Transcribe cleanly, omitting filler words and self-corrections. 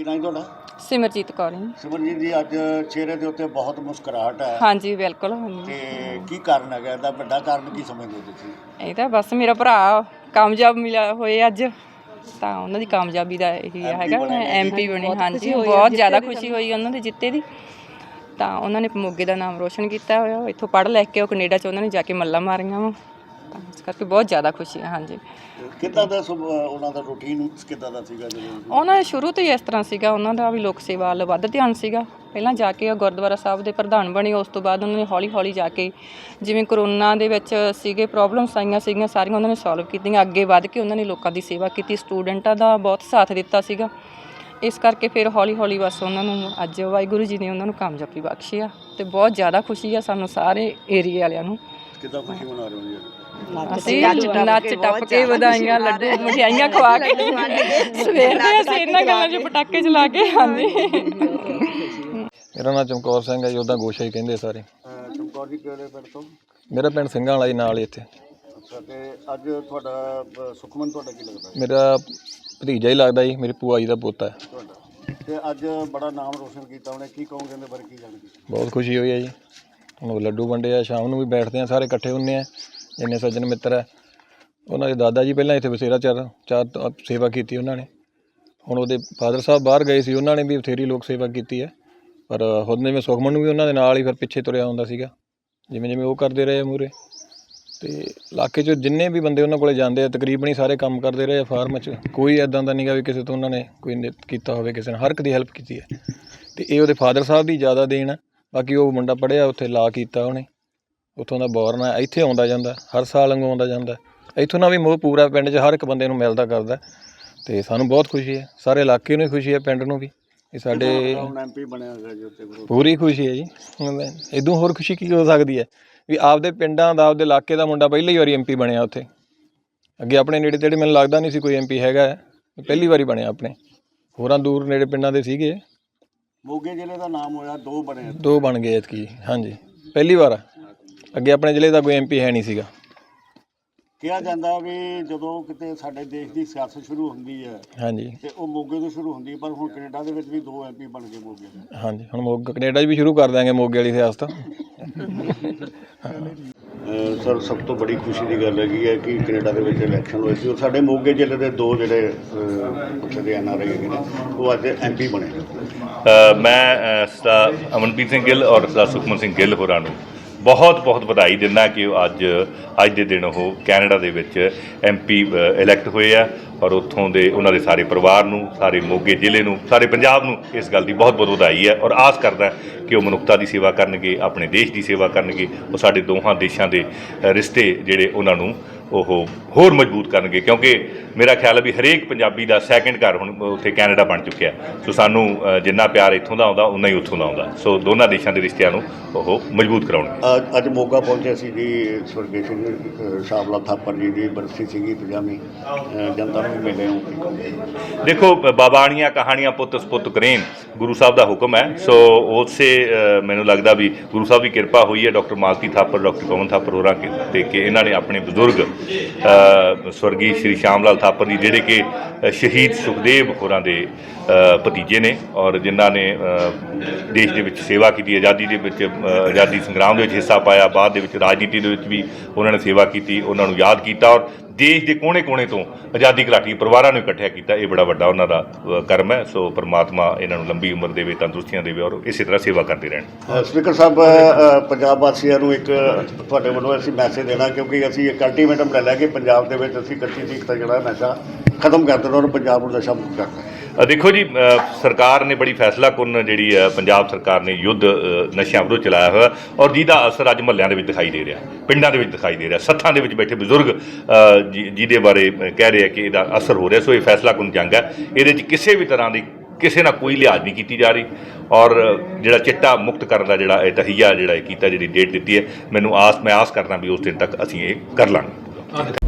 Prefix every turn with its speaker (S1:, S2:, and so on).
S1: नाम तुहाडा?
S2: सिमरजीत कौर जी।
S1: सिमरजीत जी, अज चेहरे के उत्ते बहुत मुस्कुराहट है।
S2: हाँ जी बिल्कुल।
S1: ते की कारण है? इसदा वड्डा कारण की समझदे हो तुसीं?
S2: ਇਹ ਤਾਂ ਬਸ ਮੇਰਾ ਭਰਾ ਕਾਮਯਾਬ ਮਿਲਿਆ ਹੋਏ ਅੱਜ ਤਾਂ ਉਹਨਾਂ ਦੀ ਕਾਮਯਾਬੀ ਦਾ ਇਹੀ ਹੈਗਾ ਐਮਪੀ ਬਣੇ। ਹਾਂਜੀ ਬਹੁਤ ਜ਼ਿਆਦਾ ਖੁਸ਼ੀ ਹੋਈ ਉਹਨਾਂ ਦੇ ਜਿੱਤੇ ਦੀ। ਤਾਂ ਉਹਨਾਂ ਨੇ ਮੋਗੇ ਦਾ ਨਾਮ ਰੋਸ਼ਨ ਕੀਤਾ ਹੋਇਆ। ਇੱਥੋਂ ਪੜ੍ਹ ਲੈ ਕੇ ਉਹ ਕੈਨੇਡਾ 'ਚ ਉਹਨਾਂ ਨੇ ਜਾ ਕੇ ਮੱਲਾਂ ਮਾਰੀਆਂ ਵਾ। ਤਾਂ ਇਸ ਕਰਕੇ ਬਹੁਤ ਜ਼ਿਆਦਾ ਖੁਸ਼ੀ ਹੈ। ਹਾਂਜੀ
S1: ਕਿੱਦਾਂ ਦਾ ਉਹਨਾਂ ਦਾ ਰੂਟੀਨ ਕਿੱਦਾਂ ਦਾ ਸੀਗਾ?
S2: ਉਹਨਾਂ ਦਾ ਸ਼ੁਰੂ ਤੋਂ ਹੀ ਇਸ ਤਰ੍ਹਾਂ ਸੀਗਾ, ਉਹਨਾਂ ਦਾ ਵੀ ਲੋਕ ਸੇਵਾ ਵੱਲ ਵੱਧ ਧਿਆਨ ਸੀਗਾ। ਪਹਿਲਾਂ ਜਾ ਕੇ ਉਹ ਗੁਰਦੁਆਰਾ ਸਾਹਿਬ ਦੇ ਪ੍ਰਧਾਨ ਬਣੇ, ਉਸ ਤੋਂ ਬਾਅਦ ਉਹਨਾਂ ਨੇ ਹੌਲੀ ਹੌਲੀ ਜਾ ਕੇ ਜਿਵੇਂ ਕਰੋਨਾ ਦੇ ਵਿੱਚ ਸੀਗੇ ਪ੍ਰੋਬਲਮਸ ਆਈਆਂ ਸੀਗੀਆਂ ਸਾਰੀਆਂ ਉਹਨਾਂ ਨੇ ਸੋਲਵ ਕੀਤੀਆਂ। ਅੱਗੇ ਵੱਧ ਕੇ ਉਹਨਾਂ ਨੇ ਲੋਕਾਂ ਦੀ ਸੇਵਾ ਕੀਤੀ, ਸਟੂਡੈਂਟਾਂ ਦਾ ਬਹੁਤ ਸਾਥ ਦਿੱਤਾ ਸੀਗਾ। ਇਸ ਕਰਕੇ ਫਿਰ ਹੌਲੀ ਹੌਲੀ ਬਸ ਉਹਨਾਂ ਨੂੰ ਅੱਜ ਵਾਹਿਗੁਰੂ ਜੀ ਨੇ ਉਹਨਾਂ ਨੂੰ ਕਾਮਯਾਬੀ ਬਖਸ਼ੀ ਆ ਅਤੇ ਬਹੁਤ ਜ਼ਿਆਦਾ ਖੁਸ਼ੀ ਆ ਸਾਨੂੰ ਸਾਰੇ ਏਰੀਏ ਵਾਲਿਆਂ ਨੂੰ।
S1: ਕਿੱਦਾਂ ਖੁਸ਼ੀ ਮਨਾ ਰਹੇ ਹੋ ਜੀ?
S2: ਅਸੀਂ ਨੱਚ ਟੱਪ ਕੇ ਵਧਾਈਆਂ, ਲੱਡੂ, ਮਠਿਆਈਆਂ ਖਵਾ ਕੇ ਸਵੇਰ ਦੇ ਅਸੀਂ ਇਹਨਾਂ ਗੱਲਾਂ 'ਚ ਪਟਾਕੇ ਚਲਾ ਕੇ। ਹਾਂਜੀ
S3: ਮੇਰਾ ਨਾਮ ਚਮਕੌਰ ਸਿੰਘ ਹੈ ਜੀ, ਉੱਦਾਂ ਗੋਸ਼ਾ ਹੀ ਕਹਿੰਦੇ ਸਾਰੇ।
S1: ਚਮਕੌਰ ਜੀ ਕਿਹੜੇ ਪਿੰਡ ਤੋਂ?
S3: ਮੇਰਾ ਪਿੰਡ ਸਿੰਘਾਂ ਵਾਲਾ ਜੀ, ਨਾਲ ਹੀ ਇੱਥੇ।
S1: ਅੱਛਾ, ਤੇ ਅੱਜ ਤੁਹਾਡਾ ਸੁਖਮਨ ਤੁਹਾਡਾ ਕੀ ਲੱਗਦਾ?
S3: ਮੇਰਾ ਭਤੀਜਾ ਹੀ ਲੱਗਦਾ ਜੀ, ਮੇਰੀ ਭੂਆ ਜੀ ਦਾ ਪੋਤਾ ਹੈ
S1: ਤੁਹਾਡਾ। ਤੇ ਅੱਜ ਬੜਾ ਨਾਮ ਰੋਸ਼ਨ ਕੀਤਾ ਉਹਨੇ, ਕੀ ਕਹੋਗੇ ਇਹਦੇ ਬਾਰੇ? ਕੀ ਜਾਣਗੇ?
S3: ਬਹੁਤ ਖੁਸ਼ੀ ਹੋਈ ਹੈ ਜੀ। ਹੁਣ ਲੱਡੂ ਵੰਡੇ ਆ, ਸ਼ਾਮ ਨੂੰ ਵੀ ਬੈਠਦੇ ਆ ਸਾਰੇ ਇਕੱਠੇ ਹੁੰਦੇ ਆ ਜਿੰਨੇ ਸੱਜਣ ਮਿੱਤਰ ਹੈ। ਉਹਨਾਂ ਦੇ ਦਾਦਾ ਜੀ ਪਹਿਲਾਂ ਇੱਥੇ ਬਥੇਰਾ ਚਾਰ ਸੇਵਾ ਕੀਤੀ ਉਹਨਾਂ ਨੇ। ਹੁਣ ਉਹਦੇ ਫਾਦਰ ਸਾਹਿਬ ਬਾਹਰ ਗਏ ਸੀ, ਉਹਨਾਂ ਨੇ ਵੀ ਬਥੇਰੀ ਲੋਕ ਸੇਵਾ ਕੀਤੀ ਹੈ। ਪਰ ਹੁਣ ਜਿਵੇਂ ਸੁਖਮਨ ਨੂੰ ਵੀ ਉਹਨਾਂ ਦੇ ਨਾਲ ਹੀ ਫਿਰ ਪਿੱਛੇ ਤੁਰਿਆ ਹੁੰਦਾ ਸੀਗਾ, ਜਿਵੇਂ ਜਿਵੇਂ ਉਹ ਕਰਦੇ ਰਹੇ ਮੂਹਰੇ। ਅਤੇ ਇਲਾਕੇ 'ਚ ਜਿੰਨੇ ਵੀ ਬੰਦੇ ਉਹਨਾਂ ਕੋਲ ਜਾਂਦੇ ਆ ਤਕਰੀਬਨ ਹੀ ਸਾਰੇ ਕੰਮ ਕਰਦੇ ਰਹੇ ਆ ਫਾਰਮ 'ਚ। ਕੋਈ ਇੱਦਾਂ ਦਾ ਨਹੀਂ ਗਾ ਵੀ ਕਿਸੇ ਤੋਂ ਉਹਨਾਂ ਨੇ ਕੋਈ ਕੀਤਾ ਹੋਵੇ, ਕਿਸੇ ਨੇ ਹਰ ਇੱਕ ਦੀ ਹੈਲਪ ਕੀਤੀ ਹੈ। ਅਤੇ ਇਹ ਉਹਦੇ ਫਾਦਰ ਸਾਹਿਬ ਦੀ ਜ਼ਿਆਦਾ ਦੇਣ ਹੈ। ਬਾਕੀ ਉਹ ਮੁੰਡਾ ਪੜ੍ਹਿਆ, ਉੱਥੇ ਲਾ ਕੀਤਾ ਉਹਨੇ, ਉੱਥੋਂ ਦਾ ਬੋਰਨ ਹੈ, ਇੱਥੇ ਆਉਂਦਾ ਜਾਂਦਾ ਹਰ ਸਾਲ ਵਾਂਗੂ ਆਉਂਦਾ ਜਾਂਦਾ। ਇੱਥੋਂ ਦਾ ਵੀ ਮੋਹ ਪੂਰਾ ਪਿੰਡ 'ਚ ਹਰ ਇੱਕ ਬੰਦੇ ਨੂੰ ਮਿਲਦਾ ਕਰਦਾ। ਅਤੇ ਸਾਨੂੰ ਬਹੁਤ ਖੁਸ਼ੀ ਹੈ, ਸਾਰੇ ਇਲਾਕੇ ਨੂੰ ਹੀ ਖੁਸ਼ੀ ਹੈ, ਪਿੰਡ ਨੂੰ ਵੀ। ਇਹ ਸਾਡੇ
S1: ਐਮਪੀ ਬਣਿਆ ਹੋਇਆ ਜੀ ਉੱਥੇ,
S3: ਪੂਰੀ ਖੁਸ਼ੀ ਹੈ ਜੀ। ਇੱਦੋਂ ਹੋਰ ਖੁਸ਼ੀ ਕੀ ਹੋ ਸਕਦੀ ਹੈ ਵੀ ਆਪਦੇ ਪਿੰਡਾਂ ਦਾ, ਆਪਦੇ ਇਲਾਕੇ ਦਾ ਮੁੰਡਾ ਪਹਿਲੀ ਵਾਰੀ ਐਮਪੀ ਬਣਿਆ ਉੱਥੇ। ਅੱਗੇ ਆਪਣੇ ਨੇੜੇ ਤੇੜੇ ਮੈਨੂੰ ਲੱਗਦਾ ਨਹੀਂ ਸੀ ਕੋਈ ਐਮਪੀ ਹੈਗਾ, ਪਹਿਲੀ ਵਾਰੀ ਬਣਿਆ ਆਪਣੇ। ਹੋਰਾਂ ਦੂਰ ਨੇੜੇ ਪਿੰਡਾਂ ਦੇ ਸੀਗੇ।
S1: ਮੋਗੇ ਜ਼ਿਲ੍ਹੇ ਦਾ ਨਾਮ ਹੋਇਆ,
S3: ਦੋ ਬਣ ਗਏ ਐਤਕੀ। ਹਾਂਜੀ ਪਹਿਲੀ ਵਾਰ। ਅੱਗੇ ਆਪਣੇ ਜ਼ਿਲ੍ਹੇ ਦਾ ਕੋਈ ਐਮਪੀ ਹੈ ਨਹੀਂ ਸੀਗਾ।
S1: ਕਿਹਾ ਜਾਂਦਾ ਵੀ ਜਦੋਂ ਕਿਤੇ ਸਾਡੇ ਦੇਸ਼ ਦੀ ਸਿਆਸਤ ਸ਼ੁਰੂ ਹੁੰਦੀ ਹੈ,
S3: ਹਾਂਜੀ,
S1: ਤੇ ਉਹ ਮੋਗੇ ਤੋਂ ਸ਼ੁਰੂ ਹੁੰਦੀ, ਪਰ ਹੁਣ ਕੈਨੇਡਾ ਦੇ ਵਿੱਚ ਵੀ 2 ਐਮਪੀ ਬਣ ਗਏ ਮੋਗੇ ਦੇ।
S3: ਹਾਂਜੀ, ਹੁਣ ਕੈਨੇਡਾ 'ਚ ਵੀ ਸ਼ੁਰੂ ਕਰ ਦਿਆਂਗੇ ਮੋਗੇ ਵਾਲੀ ਸਿਆਸਤ।
S1: ਸਰ, ਸਭ ਤੋਂ ਬੜੀ ਖੁਸ਼ੀ ਦੀ ਗੱਲ ਹੈਗੀ ਹੈ ਕਿ ਕੈਨੇਡਾ ਦੇ ਵਿੱਚ ਇਲੈਕਸ਼ਨ ਹੋਏ ਸੀ, ਸਾਡੇ ਮੋਗੇ ਜ਼ਿਲ੍ਹੇ ਦੇ 2 ਜਿਹੜੇ ਉੱਥੇ ਦੇ NRI ਹੈਗੇ ਨੇ, ਉਹ ਅੱਜ ਐਮਪੀ ਬਣੇ।
S4: ਮੈਂ ਸਰਦਾਰ ਅਮਨਪ੍ਰੀਤ ਸਿੰਘ ਗਿੱਲ ਔਰ ਸਰਦਾਰ ਸੁਖਮਨ ਸਿੰਘ ਗਿੱਲ ਹੋਰਾਂ ਨੂੰ ਬਹੁਤ ਬਹੁਤ ਵਧਾਈ ਦਿੰਦਾ ਕਿ ਉਹ ਅੱਜ ਦੇ ਦਿਨ ਉਹ ਕੈਨੇਡਾ ਦੇ ਵਿੱਚ ਐਮਪੀ ਇਲੈਕਟ ਹੋਏ ਆ। ਔਰ ਉੱਥੋਂ ਦੇ ਉਹਨਾਂ ਦੇ ਸਾਰੇ ਪਰਿਵਾਰ ਨੂੰ, ਸਾਰੇ ਮੋਗੇ ਜ਼ਿਲ੍ਹੇ ਨੂੰ, ਸਾਰੇ ਪੰਜਾਬ ਨੂੰ ਇਸ ਗੱਲ ਦੀ ਬਹੁਤ ਬਹੁਤ ਵਧਾਈ ਹੈ। ਔਰ ਆਸ ਕਰਦਾ ਕਿ ਉਹ ਮਨੁੱਖਤਾ ਦੀ ਸੇਵਾ ਕਰਨਗੇ, ਆਪਣੇ ਦੇਸ਼ ਦੀ ਸੇਵਾ ਕਰਨਗੇ। ਉਹ ਸਾਡੇ ਦੋਹਾਂ ਦੇਸ਼ਾਂ ਦੇ ਰਿਸ਼ਤੇ ਜਿਹੜੇ ਉਹਨਾਂ ਨੂੰ ਉਹ ਹੋਰ ਮਜ਼ਬੂਤ ਕਰਨਗੇ, ਕਿਉਂਕਿ ਮੇਰਾ ਖਿਆਲ ਹੈ ਵੀ ਹਰੇਕ ਪੰਜਾਬੀ ਦਾ ਸੈਕਿੰਡ ਘਰ ਹੁਣ ਉੱਥੇ ਕੈਨੇਡਾ ਬਣ ਚੁੱਕਿਆ। ਸੋ ਸਾਨੂੰ ਜਿੰਨਾ ਪਿਆਰ ਇੱਥੋਂ ਦਾ ਆਉਂਦਾ ਉਨਾ ਹੀ ਉੱਥੋਂ ਦਾ ਆਉਂਦਾ। ਸੋ ਦੋਨਾਂ ਦੇਸ਼ਾਂ ਦੇ ਰਿਸ਼ਤਿਆਂ ਨੂੰ ਉਹ ਮਜ਼ਬੂਤ ਕਰਾਉਣਗੇ।
S1: ਅੱਜ ਮੋਗਾ ਪਹੁੰਚੇ ਸੀ ਜੀ, ਸਵਰਗੀ ਸਿੰਘ ਸ਼ਾਮ ਲਾਲ ਥਾਪਰ ਜੀ ਦੀ ਬਰਸੀ ਸੀਗੀ 50ਵੀਂ, ਜਨਤਾ ਨੂੰ ਵੀ ਮਿਲੇ ਹੋ।
S4: ਦੇਖੋ, ਬਾਬਾਣੀਆਂ ਕਹਾਣੀਆਂ ਪੁੱਤ ਸਪੁੱਤ ਕਰੇਨ, ਗੁਰੂ ਸਾਹਿਬ ਦਾ ਹੁਕਮ ਹੈ। ਸੋ ਉਸੇ ਮੈਨੂੰ ਲੱਗਦਾ ਵੀ ਗੁਰੂ ਸਾਹਿਬ ਦੀ ਕਿਰਪਾ ਹੋਈ ਹੈ ਡਾਕਟਰ ਮਾਲਤੀ ਥਾਪਰ, ਡਾਕਟਰ ਪਵਨ ਥਾਪਰ ਹੋਰਾਂ ਤੇ ਕਿ ਇਹਨਾਂ ਨੇ ਆਪਣੇ ਬਜ਼ੁਰਗ ਸਵਰਗੀ ਸ਼੍ਰੀ ਸ਼ਾਮ ਲਾਲ ਥਾਪਰ ਜੀ, ਜਿਹੜੇ ਕਿ ਸ਼ਹੀਦ ਸੁਖਦੇਵ ਹੋਰਾਂ ਦੇ ਭਤੀਜੇ ਨੇ ਔਰ ਜਿਨ੍ਹਾਂ ਨੇ ਦੇਸ਼ ਦੇ ਵਿੱਚ ਸੇਵਾ ਕੀਤੀ, ਆਜ਼ਾਦੀ ਦੇ ਵਿੱਚ, ਆਜ਼ਾਦੀ ਸੰਗਰਾਮ ਦੇ ਵਿੱਚ ਹਿੱਸਾ ਪਾਇਆ, ਬਾਅਦ ਦੇ ਵਿੱਚ ਰਾਜਨੀਤੀ ਦੇ ਵਿੱਚ ਵੀ ਉਹਨਾਂ ਨੇ ਸੇਵਾ ਕੀਤੀ, ਉਹਨਾਂ ਨੂੰ ਯਾਦ ਕੀਤਾ ਔਰ ਦੇਸ਼ ਦੇ ਕੋਨੇ-ਕੋਨੇ ਤੋਂ ਆਜ਼ਾਦੀ ਘੁਲਾਟੀ ਪਰਿਵਾਰਾਂ ਨੂੰ ਇਕੱਠਿਆ ਕੀਤਾ। ਇਹ ਬੜਾ ਵੱਡਾ ਉਹਨਾਂ ਦਾ ਕਰਮ ਹੈ। ਸੋ ਪਰਮਾਤਮਾ ਇਹਨਾਂ ਨੂੰ ਲੰਬੀ ਉਮਰ ਦੇਵੇ, ਤੰਦਰੁਸਤੀਆਂ ਦੇਵੇ ਔਰ ਇਸੇ ਤਰ੍ਹਾਂ ਸੇਵਾ ਕਰਦੇ ਰਹਿਣ।
S1: ਸਪੀਕਰ ਸਾਹਿਬ, ਪੰਜਾਬ ਵਾਸੀਆਂ ਨੂੰ ਇੱਕ ਤੁਹਾਡੇ ਵੱਲੋਂ ਅਸੀਂ ਮੈਸੇਜ ਦੇਣਾ, ਕਿਉਂਕਿ ਅਸੀਂ ਇੱਕ ਅਲਟੀਮੇਟਮ ਲੈ ਲਿਆ ਕਿ ਪੰਜਾਬ ਦੇ ਵਿੱਚ ਅਸੀਂ ਕੱਚੀ ਚੀਕ ਦਾ ਜਿਹੜਾ ਨਸ਼ਾ ਖਤਮ ਕਰ ਦੇਣਾ ਔਰ ਪੰਜਾਬ ਨੂੰ ਨਸ਼ਾ ਮੁਕਤ ਕਰਨਾ।
S4: ਦੇਖੋ ਜੀ, ਸਰਕਾਰ ਨੇ ਬੜੀ ਫੈਸਲਾਕੁੰਨ ਜਿਹੜੀ ਪੰਜਾਬ ਸਰਕਾਰ ਨੇ ਯੁੱਧ ਨਸ਼ਿਆਂ ਵਿਰੁੱਧ ਚਲਾਇਆ ਹੋਇਆ ਔਰ ਜਿਹਦਾ ਅਸਰ ਅੱਜ ਮੁਹੱਲਿਆਂ ਦੇ ਵਿੱਚ ਦਿਖਾਈ ਦੇ ਰਿਹਾ, ਪਿੰਡਾਂ ਦੇ ਵਿੱਚ ਦਿਖਾਈ ਦੇ ਰਿਹਾ, ਸੱਥਾਂ ਦੇ ਵਿੱਚ ਬੈਠੇ ਬਜ਼ੁਰਗ ਜਿਹਦੇ ਬਾਰੇ ਕਹਿ ਰਹੇ ਆ ਕਿ ਇਹਦਾ ਅਸਰ ਹੋ ਰਿਹਾ। ਸੋ ਇਹ ਫੈਸਲਾਕੁੰਨ ਜੰਗ ਹੈ, ਇਹਦੇ 'ਚ ਕਿਸੇ ਵੀ ਤਰ੍ਹਾਂ ਦੀ ਕਿਸੇ ਨਾਲ ਕੋਈ ਲਿਹਾਜ਼ ਨਹੀਂ ਕੀਤੀ ਜਾ ਰਹੀ। ਔਰ ਜਿਹੜਾ ਚਿੱਟਾ ਮੁਕਤ ਕਰਨ ਦਾ ਜਿਹੜਾ ਇਹ ਤਹੀਆ ਜਿਹੜਾ ਕੀਤਾ, ਜਿਹੜੀ ਡੇਟ ਦਿੱਤੀ ਹੈ, ਮੈਂ ਆਸ ਕਰਦਾ ਵੀ ਉਸ ਦਿਨ ਤੱਕ ਅਸੀਂ ਇਹ ਕਰ ਲਾਂਗੇ।